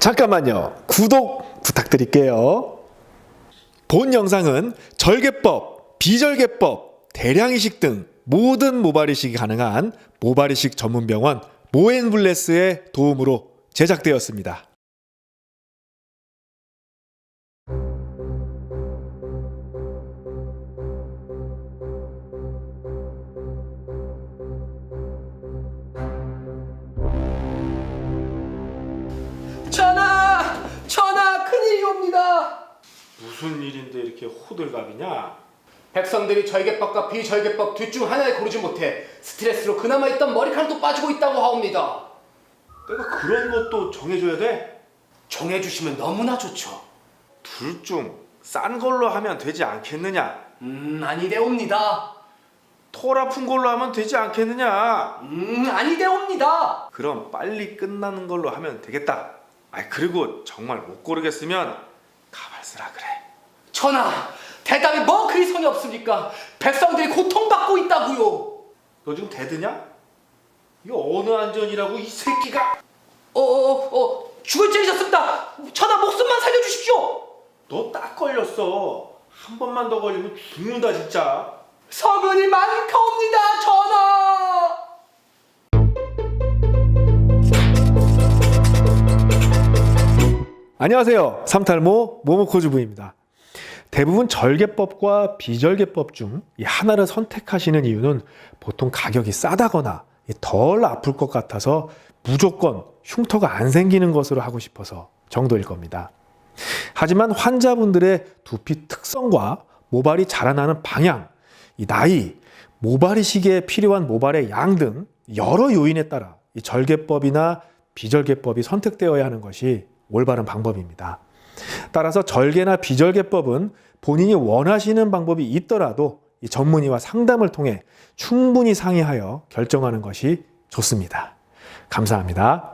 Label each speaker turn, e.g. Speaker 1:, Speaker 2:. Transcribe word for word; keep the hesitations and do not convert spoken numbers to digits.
Speaker 1: 잠깐만요. 구독 부탁드릴게요. 본 영상은 절개법, 비절개법, 대량이식 등 모든 모발이식이 가능한 모발이식 전문병원 모앤블레스의 도움으로 제작되었습니다.
Speaker 2: 전하! 전하! 큰일이옵니다!
Speaker 1: 무슨 일인데 이렇게 호들갑이냐?
Speaker 2: 백성들이 절개법과 비절개법 둘 중 하나를 고르지 못해 스트레스로 그나마 있던 머리카락도 빠지고 있다고 하옵니다.
Speaker 1: 내가 그런 것도 정해줘야 돼?
Speaker 2: 정해주시면 너무나 좋죠.
Speaker 1: 둘 중 싼 걸로 하면 되지 않겠느냐?
Speaker 2: 음, 아니되옵니다.
Speaker 1: 털 아픈 걸로 하면 되지 않겠느냐?
Speaker 2: 음, 아니되옵니다.
Speaker 1: 그럼 빨리 끝나는 걸로 하면 되겠다. 아, 그리고 정말 못 고르겠으면 가발 쓰라 그래.
Speaker 2: 전하! 대답이 뭐 그리 성의 없습니까? 백성들이 고통받고 있다고요.
Speaker 1: 너 지금 대드냐? 이거 어느 안전이라고 이 새끼가?
Speaker 2: 어어어 어, 죽을 죄이셨습니다. 전하 목숨만 살려주십시오.
Speaker 1: 너 딱 걸렸어. 한 번만 더 걸리면 죽는다 진짜.
Speaker 2: 서문이 많카옵니다, 전하.
Speaker 1: 안녕하세요. 삼탈모 모모코즈부입니다. 대부분 절개법과 비절개법 중 이 하나를 선택하시는 이유는 보통 가격이 싸다거나 덜 아플 것 같아서 무조건 흉터가 안 생기는 것으로 하고 싶어서 정도일 겁니다. 하지만 환자분들의 두피 특성과 모발이 자라나는 방향, 이 나이, 모발이식에 필요한 모발의 양 등 여러 요인에 따라 이 절개법이나 비절개법이 선택되어야 하는 것이 올바른 방법입니다. 따라서 절개나 비절개법은 본인이 원하시는 방법이 있더라도 이 전문의와 상담을 통해 충분히 상의하여 결정하는 것이 좋습니다. 감사합니다.